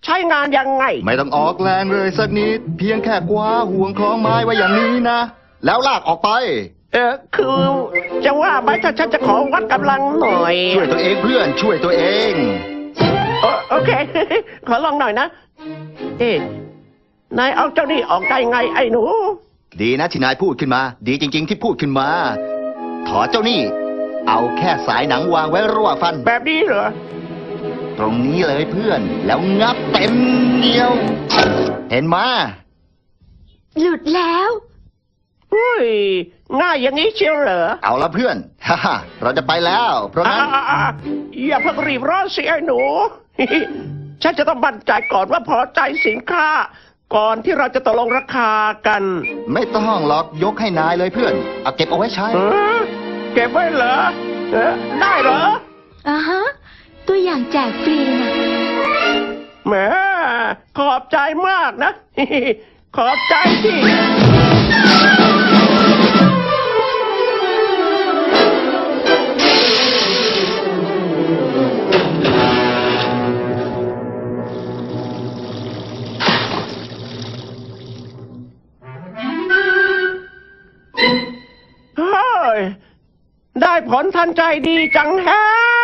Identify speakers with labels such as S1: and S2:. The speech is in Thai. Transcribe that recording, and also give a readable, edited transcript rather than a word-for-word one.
S1: ใช้งานยังไง
S2: ไม่ต้องออกแรงเลยสักนิดเพียงแค่คว้าห่วงคล้องไม้ไว้อย่างนี้นะแล้วลากออกไป
S1: คือจะว่าไหมถ้าฉันจะขอวัดกำลังหน่อย
S2: ช่วยตัวเองเพื่อนช่วยตัวเอง
S1: โอเค ขอลองหน่อยนะนายเอาเจ้านี่ออกได้ไงไอ้หนู
S2: ดีนะที่นายพูดขึ้นมาดีจริงๆที่พูดขึ้นมาถอดเจ้านี่เอาแค่สายหนังวางไว้ระหว่างฟัน
S1: แบบนี้เหรอ
S2: ตรงนี้เลยเพื่อนแล้วงับเต็มเหนียวเห็นมา
S3: หลุดแล้ว
S1: อุ้ยง่ายอย่างนี้เชียวเหรอ
S2: เอาละเพื่อนฮ่าเราจะไปแล้วเพราะนั้น
S1: อย่าเพิ่งรีบร้อนสิไอ้หนู ฉันจะต้องมั่นใจก่อนว่าพอใจสินค้าก่อนที่เราจะตกลงราคากัน
S2: ไม่ต้องหรอกยกให้นายเลยเพื่อนเอาเก็บเอาไว้ใช้
S1: เก็บไว้เหรอได้เหรอ
S3: ฮะตัวอย่างแจกฟรีนะ
S1: แหมขอบใจมากนะ ขอบใจที่ได้ผลทันใจดีจังแฮะ